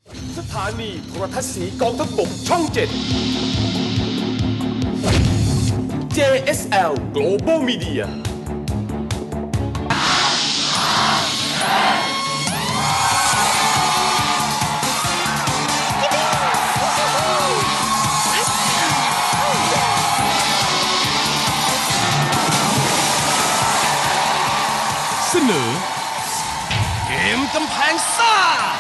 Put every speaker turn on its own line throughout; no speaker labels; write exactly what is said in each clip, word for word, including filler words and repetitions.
สถานีโทรทัศน์สีกองทัพบกช่องเจ็ด เจ เอส แอล Global Mediaเสนอเกมกำแพงซ่า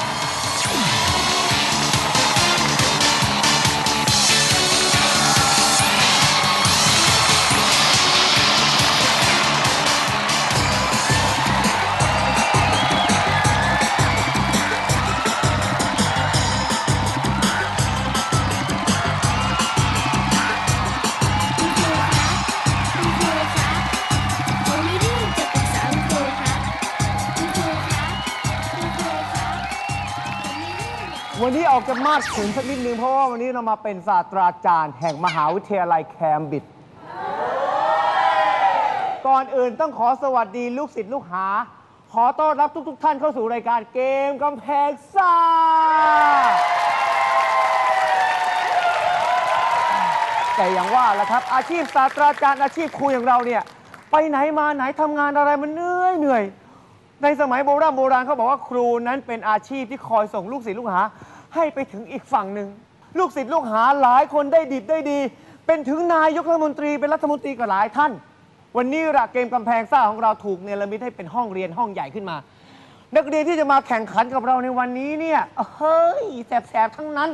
วันนี้ออกจะมาดขุนสักนิดนึงเพราะว่าวันนี้เรามาเป็นศาสตราจารย์แห่งมหาวิทยาลัยแคมบริดจ์ก่อนอื่นต้องขอสวัสดีลูกศิษย์ลูกหาขอต้อนรับทุกๆ ท่านเข้าสู่รายการเกมกำแพงซ่าแต่อย่างว่าแหละครับอาชีพศาสตราจารย์อาชีพครูอย่างเราเนี่ยไปไหนมาไหนทำงานอะไรมันเหนื่อยเหนื่อยในสมัยโบราณโบราณเขาบอกว่าครูนั้นเป็นอาชีพที่คอยส่งลูกศิษย์ลูกหาให้ไปถึงอีกฝั่งหนึ่งลูกศิษย์ลูกหาหลายคนได้ดิบได้ดีเป็นถึงนายกรัฐมนตรีเป็นรัฐมนตรีกับหลายท่านวันนี้ระเกมกำแพงซ่าของเราถูกเนรมิตให้เป็นห้องเรียนห้องใหญ่ขึ้นมานักเรียนที่จะมาแข่งขันกับเราในวันนี้เนี่ยเฮ้ยแสบๆทั้งนั้น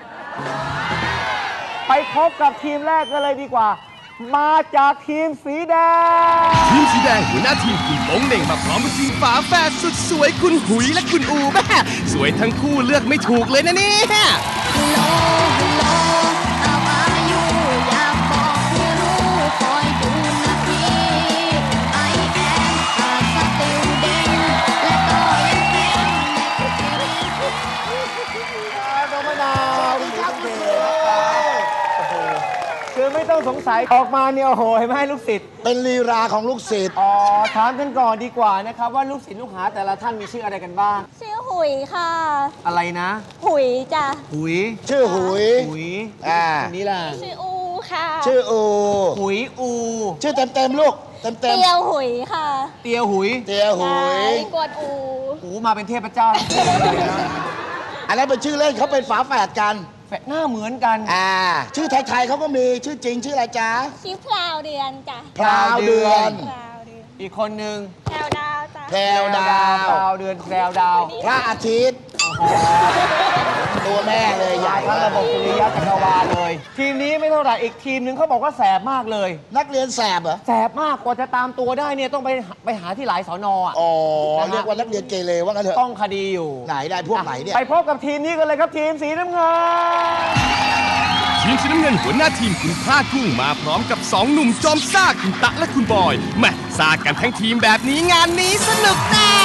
ไปพบกับทีมแรกกันเลยดีกว่ามาจากทีมสีแดง
ทีมสีแดงหัวหน้าทีมคุณโป้งเหน่งมาพร้อมกับทีมฝาแฝดสุดสวยคุณหุยและคุณอูแม่สวยทั้งคู่เลือกไม่ถูกเลยนะเนี่ย
ฮัลโหลฮัลโหลเอาอายุอยากบอกให้รู้คอยดูนาที I am a student และก็ยังเป็นเด็กเรียน
น้องมะนาวสวัสดีครับคุณครูคือไม่ต้องสงสัยออกมาเนี่ยโอ้โหเห็นไหมลูกศิษย์
เป็นลีลาของลูกศิษย์
อ๋อถามกันก่อนดีกว่านะครับว่าลูกศิษย์ลูกหาแต่ละท่านมีชื่ออะไรกันบ้าง
ชื่อหุยค่ะ
อะไรนะ
หุยจ้ะ
หุย
ชื่อหุย
หุย
อ่า
อันนี้ล่ะ
ชื่ออูค่ะ
ชื่ออู
หุยอู
ชื่อเต็มเต็มๆลูกเต็มเต็ม
เตียวหุยค่ะ
เตียวหุย
เตียหุย
กวดอู
อูมาเป็นเทพเจ้า
อันนั้นเป็นชื่อเล่นเขาเป็นฝาแฝดกัน
แฝดหน้าเหมือนกัน
อ่าชื่อไทยๆเขาก็มีชื่อจริงชื่ออะไรจ๊ะ
ชื่อพลาวเดือนจ้ะ
พราวเดือน
พลาวเดือน
อีกคนหนึ่ง
แพรวดาวจ้ะ
แพรวดาว
พราวเดือนแพรวดาว
พระอาทิตย์ตัวแม่เลยใหญ่
ทั้งระบบสุริยะจักรวาลเลย ทีมนี้ไม่เท่าไหร่อีกทีมหนึ่งเขาบอกว่าแสบมากเลย
นักเรียนแสบเหรอ
แสบมากกว่าจะตามตัวได้เนี่ยต้องไปไปหาที่หลายสอนอ่ะ
อ๋อเรียกว่านักเรียนเกเรว่างั้นเถอะ
ต้องคดีอยู่
ไหนได้พวกไหนเนี่ย
ไปพบกับทีมนี้กันเลยครับทีมสีน้ำเงิน
ทีมสีน้ำเงินหัวหน้าทีมคุณพลากุ้งมาพร้อมกับสองหนุ่มจอมซ่าคุณตะและคุณบอยแม่ซ่ากันทั้งทีมแบบนี้งานนี้สนุกแน่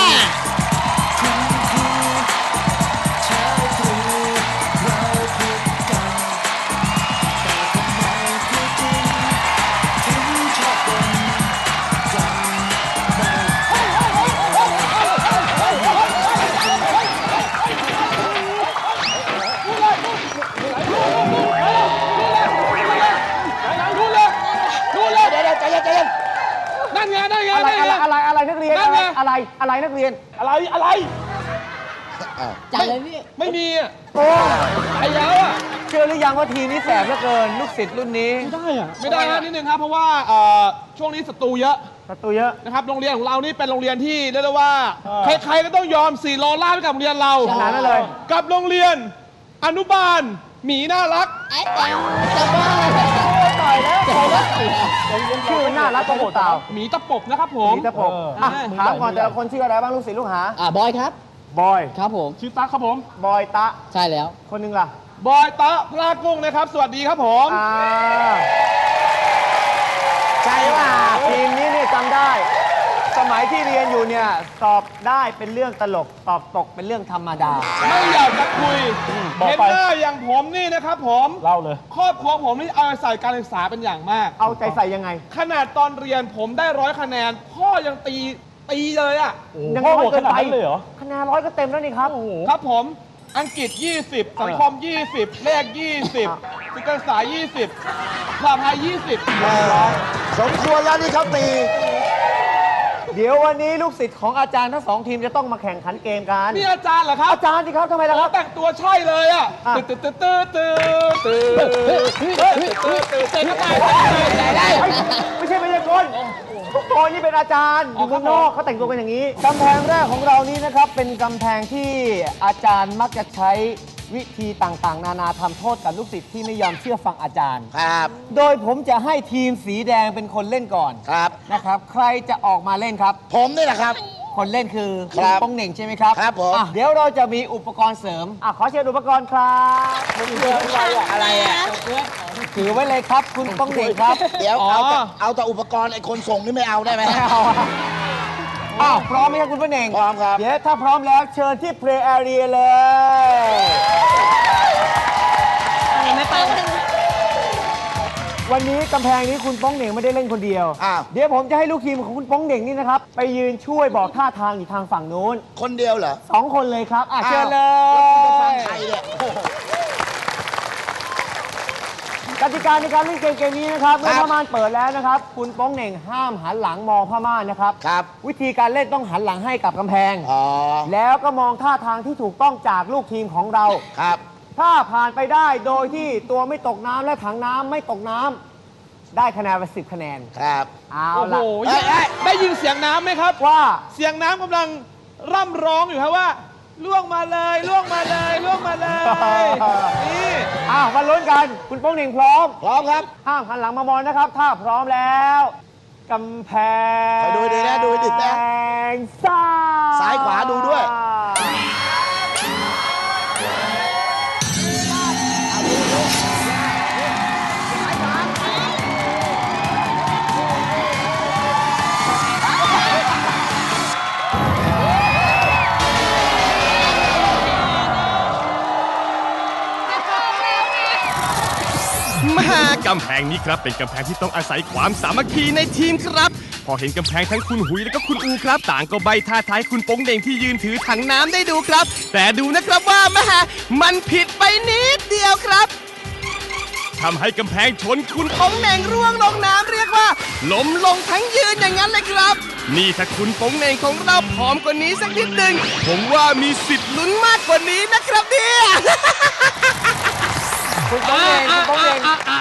นั่นไงนั่นไงอะไรอะไรอะไรนักเรียนอะไรอะไรอะไรนักเรียนอะไรอะไร
จัดเลยพี่
ไม่มีอ่ะโอ้ไอ้แล้วอ่ะเชื่อหรือยังว่าทีนี้แสบเหลือเกินลูกศิษย์รุ่นนี้
ไม่ได้อ่ะไม่ได้ฮะนิดนึงครับเพราะว่าช่วงนี้ศัตรูเยอะ
ศัตรูเยอะ
นะครับโรงเรียนของเรานี่เป็นโรงเรียนที่เรียกได้ว่าใครๆก็ต้องยอมสี่โลล่าให้กับโรงเรียนเรา
ขนาดนั้นเลย
กับโรงเรียนอนุบาลหมีน่ารัก
ไอ้เตียวจะบ้า
ต่อยแล้วต่อยแล้วชื่อน่ารักกระโดดเต่า
หมีตะปบนะครับผม
หมีตะปบถามก่อนแต่ละคนชื่ออะไรบ้างลูกศิษย์ลูกหา
อ่าบอยครับ
บอย
ครับผม
ชื่อตะครับผม
บอยตะ
ใช่แล้ว
คนนึงล่ะ
บอยตะพลากุ้งนะครับสวัสดีครับผม
อ่าใช่ว่าทีมนี้เนี่ยจำได้สมัยที่เรียนอยู่เนี่ยสอบได้เป็นเรื่องตลกสอบตกเป็นเรื่องธรรมดา
ไม่อยากจะคุยเห็นหน้าอย่างผมนี่นะครับผม
เล่าเลย
ครอบครัวผมนี่เอาใส่การศึกษาเป็นอย่างมาก
เอาใจใส่ยังไง
ขนาดตอนเรียนผมได้ร้อยคะแนนพ่อยังตีตีเลยอ่ะ
ยังร้อยเกินไปเลยเหรอคะแนนร้อยก็เต็มแล้วนี่ครับ
ครับผมอังกฤษ ยี่สิบ สังคม ยี่สิบ เลข ยี่สิบ ศึกษาศาสตร์ ยี่สิบ ภาษาไทย ยี่สิบ
สมควรแล้วที่เขาตี
เดี๋ยววันนี้ลูกศิษย์ของอาจารย์ทั้งสองทีมจะต้องมาแข่งขันเกมกัน
นี่อาจารย์เหรอครับ
อาจารย์สิครับทำไมล่ะครับ
แต่งตัวใช่เลยอ่ะ
อ่ะ
ตื่นตื่นตื่นตื่นตื่นตื่นตื่นตื่นตื่นก็ตายได้
ไม่ใช่ไม่ใช่คนโอ้ยนี่เป็นอาจารย์อยู่ข้างนอกเขาแต่งตัวกันอย่างนี้กำแพงแรกของเรานี้นะครับ เป็นกำแพงที่อาจารย์มักจะใช้วิธีต่างๆ นานาทำโทษกับลูกศิษย์ที่ไม่ยอมเชื่อฟังอาจารย์
ครับ
โดยผมจะให้ทีมสีแดงเป็นคนเล่นก่อน
ครับ
นะครับ ใครจะออกมาเล่นครับ
ผมนี่แหละครับ
คนเล่นคือ
ครับ
ป้องเหน่งใช่ไหมครับ
ครับผม
อ่ะเดี๋ยวเราจะมีอุปกรณ์เสริมอ่ะขอเชิญอุปกรณ์ครับอะไรอ่ะถือไว้เลยครับ คุณป้องเหน่งครับ
เดี๋ยวเอาแต่เอาแต่อุปกรณ์ไอ้คนส่งนี่ไม่เอาได้ไหม
เอาอ่ะอ้าวพร้อมไหมครับคุณป้องเหน่ง
พร้อมครับ
เดี๋ยวถ้าพร้อมแล้วเชิญที่ play area เลย
ไม่ไปเลย
วันนี้กำแพงนี้คุณป้องเหน่งไม่ได้เล่นคนเดียว
อ้าว
เดี๋ยวผมจะให้ลูกทีมของคุณป้องเหน่งนี่นะครับไปยืนช่วยบอกท่าทางอยู่ทางฝั่งนู้น
คนเดียวเหรอ
สองคนเลยครับอ่ะเชิญเล
แล้วคุณจะฟัง
ย
ใครเนี่ยโอ้โห
กติกาในการเล่นเกมเกมนี้นะครับเมื่อผ้าม่านเปิดแล้วนะครับ คุณป้องเหน่งห้ามหันหลังมองผ้าม่านนะครับ
ครับ
วิธีการเล่นต้องหันหลังให้กับกำแพง
อ๋อ
แล้วก็มองท่าทางที่ถูกต้องจากลูกทีมของเรา
ครับ
ถ้าผ่านไปได้โดยที่ตัวไม่ตกน้ำและถังน้ำไม่ตกน้ำได้คะแนนไปสิบคะแนน
ครับ
เอา
โอ้โห
ล่ะ
ได้ยินเสียงน้ำไหมครับ
ว่า
เสียงน้ำกำลังร่ำร้องอยู่ครับว่าล่วงมาเลยล่วงมาเลยล่วงมาเลย นี่
อ้าวมาลุ้นกันคุณป้องเหน่งพร้อม
พร้อมครับ
ห้ามหันหลังมามองนะครับ ถ้าพร้อมแล้วกำแพง
ไปดูดีนะดูดีนะ
ซ้าย
ซ้ายขวาดูด้วย
มากำแพงนี้ครับเป็นกำแพงที่ต้องอาศัยความสามัคคีในทีมครับ พอเห็นกำแพงทั้งคุณหุยและก็คุณอูครับ ต่างก็ใบท่าท้ายคุณโป้งเหน่งที่ยืนถือถังน้ำได้ดูครับ แต่ดูนะครับว่าแม่มันผิดไปนิดเดียวครับทำให้กำแพงชนคุณโป้งเหน่งร่วงลงน้ำเรียกว่าล้มลงทั้งยืนอย่างนั้นเลยครับ นี่ถ้าคุณโป้งเหน่งของเราผอมกว่านี้สักนิดหนึ่งผมว่ามีสิทธิ์ลุ้นมากกว่านี้นะครับเนี่ย
คุณป้องเหน่งคุณป้องเหน่ง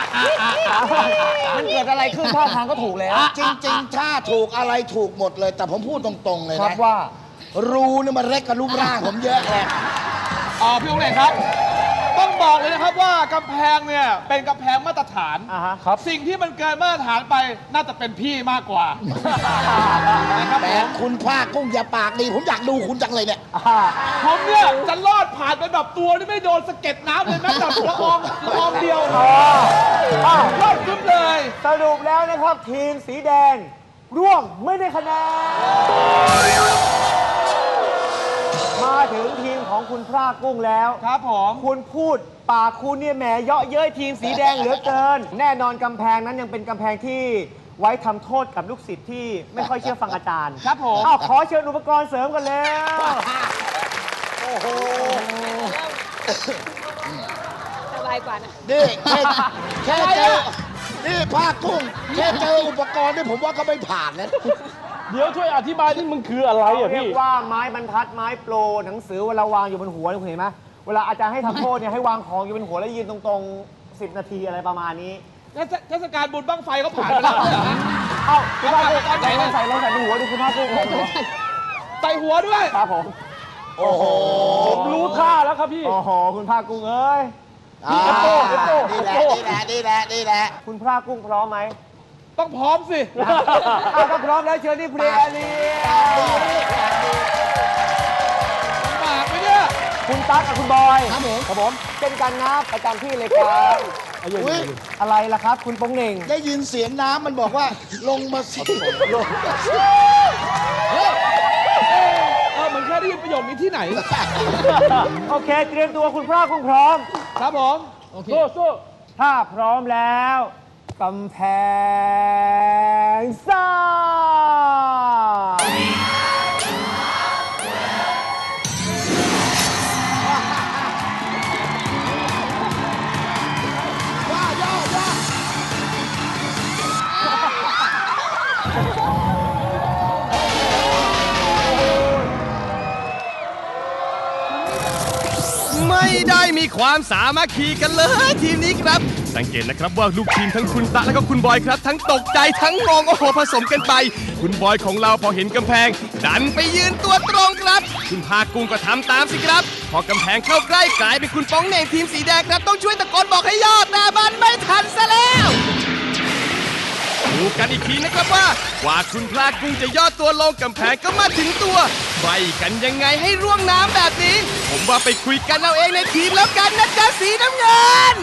มันเกิดอะไรขึ้นท่าทางก็ถูกแล้ว
จริงๆ ถ้าถูกอะไรถูกหมดเลย แต่ผมพูดตรงๆเลย
ครับ
นะ
ว่า
รูนี่มันเล็กกับรูปร่างผมเยอะเลย
อ๋อพี่องค์เอกครับ ต้องบอกเลยนะครับว่ากำแพงเนี่ยเป็นกำแพงมาตรฐาน
อ่าฮะครับ
สิ่งที่มันเกินมาตรฐานไปน่าจะเป็นพี่มากกว่านะครับ
แต่
ผม
คุณภาคกุ้งอย่าปากดี ผมอยากดูคุณจังเลยเนี่ย
อ่า
ผมเนี่ยจะรอดผ่านไปแบบตัวที่ไม่โดนสะเก็ดน้ำเลยแม้แต่ละอองละอองเดียว
อ๋ออ้าว
รอดขึ้นเลย
สรุปแล้วนะครับทีมสีแดงร่วงไม่ได้คะแนน มาถึงทีมของคุณพระกุ้งแล้ว
ครับผม
คุณพูดปากคุณเนี่ยแหมเยาะเย้ยทีมสีแดงเหลือเกิน แน่นอนกำแพงนั้นยังเป็นกำแพงที่ไว้ทำโทษกับลูกศิษย์ที่ไม่ค่อยเชื่อฟังอาจารย์
ครับผม
อ้าวขอเชิญอุปกรณ์เสริมกันแล้ว
โอ้โห
สบายกว่านะ
นี่แค่แค่เจอ นี่ภาคกุ้ง แค่เจออุปกรณ์นี่ผมว่าก็ไม่ผ่านแล้ว
เดี๋ยวช่วยอธิบายที่มันคืออะไรอ่ะ
เรีย
พี่
กว่าไม้บรรทัดไม้โปรหนังสือเวลาวางอยู่บนหัวคุณเห็นไหมเวลาอาจารย์ให้ทำโทษเนี่ยให้วางของอยู่บนหัวแล้วยืนตรงๆสิบนาทีอะไรประมาณนี้
เทศกาลบุญบั้งไฟเขาผ่านไปแล้วเนี่ยเหรอ
เอ้าคุณภาคกุ้ง
เอาไปเอาไป
ลองใส่ลองใส่บนหัวดูคุณภาคกุ้งลองดู
ใส่หัวด้วย
ครับผม
โอ้โห
ผมรู้ท่าแล้วครับพี่
โอ้โหคุณภาคกุ้งเอ้ย
อ่า
เอฟโต้เอฟโต้
นี่แหละ นี่แหละ นี่แหละ นี่แหละ
คุณภาคกุ้งพร้อมไหม
ต้องพร้อมสิ
อ้าวถ้าพร้อมแล้วเชิญที่เพลย์แอเรีย
ปากไปเนี่ย
คุณตั๊กกับคุณบอยครับผมครับผมเป็นการนับประจำที่เลยครับ
อุ๊ย
อะไรล่ะครับ คุณโป้งเหน่ง
ได้ยินเสียงน้ำมันบอกว่า ลงมาสิลงมาสิ
เออเหมือนแค่ได้ยินประโยคนี้ที่ไหน
โอเค เตรียมตัวคุณพระกุ้งพร้อม
ครับผมสู้สู้
ถ้าพร้อมแล้วกำแพงซ่าย
ไม่ได้มีความสามัคคีกันเลยทีมนี้ครับสังเกตนะครับว่าลูกทีมทั้งคุณตะและก็คุณบอยครับทั้งตกใจทั้งงงโอ้โหผสมกันไปคุณบอยของเราพอเห็นกำแพงดันไปยืนตัวตรงครับคุณพากุ้งก็ทำตามสิครับพอกำแพงเข้าใกล้กลายเป็นคุณป้องเหน่งทีมสีแดงครับต้องช่วยตะโกนบอกให้ยอดแต่มันไม่ทันซะแล้วดูกันอีกทีนะครับว่ากว่าคุณพลากุ้งจะย่อตัวลงกำแพงก็มาถึงตัวไปกันยังไงให้ร่วงน้ำแบบนี้ผมว่าไปคุยกันเอาเองในทีมแล้วกันนะจ๊ะสีน้ำเงิน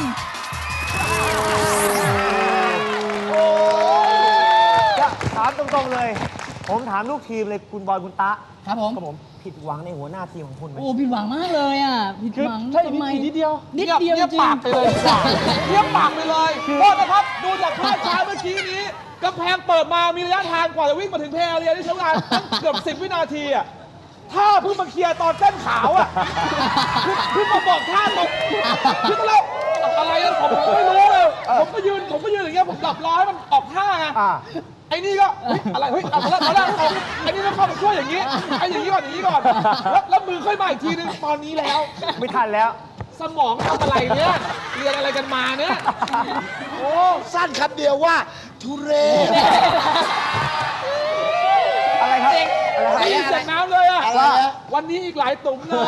จะถามตรงๆเลย ผมถามลูกทีมเลยคุณบอยคุณตะ
ครับผม
ครับผมผิดหวังในหัวหน้าทีมของคุณไหม
โอ้ผิดหวังมากเลยอ่ะผิดหวัง
ใช่
ทำไม
นิดเดียว
นิดเดียว
เงียบ
จริง
ปากไปเลยเงียบปากไปเลยโทษนะครับ ดูจากภาพช้าเมื่อกี้นี้กำแพงเปิดมามีระยะทางกว่าจะวิ่งมาถึงเพลย์เรียที่ใช้เวลาตั้งเกือบสิบวินาทีอ่ะถ้าเพิ่งมาเคลียร์ตอนเส้นขาวอ่ะเพิ่งมาบอกท่าตกคือตอนแรกอะไรอะผมผมไม่รู้เลยผมก็ยืนผมก็ยืนอย่างเงี้ยผมหลับร้อยมันออกท่าไง
อ่า
ไอ้นี่ก็เฮ้ยอะไรเฮ้ยเอาตอนแรกตอนแรกเอาไอ้นี่ต้องเข้าไปช่วยอย่างนี้ไอ้อย่างนี้ก่อนอย่างนี้ก่อนแล้วแล้วมือค่อยมาอีกทีนึงตอนนี้แล้ว
ไม่ทันแล้ว
สมองทำอะไรเนี่ยเรียนอะไรกันมาเนี่ยโอ้
สั้นคำเดียวว่า ทุเรศ
อะไรครับอะไรครับ
ไม่ยินเสียงน้ำเลยอะ
อะไรนะ
วันนี้อีกหลายตุ่มเลย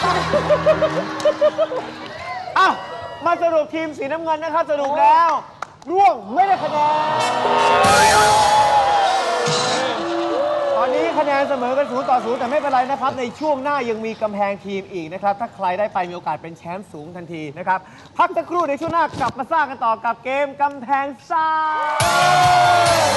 อ้าวมาสรุปทีมสีน้ำเงินนะครับสรุปแล้วร่วงไม่ได้คะแนนตอนนี้คะแนนเสมอกันศูนย์ต่อศูนย์แต่ไม่เป็นไรนะครับในช่วงหน้ายังมีกำแพงทีมอีกนะครับถ้าใครได้ไปมีโอกาสเป็นแชมป์สูงทันทีนะครับพักสักครู่ในช่วงหน้ากลับมาสร้างกันต่อกับเกมกำแพงซ่า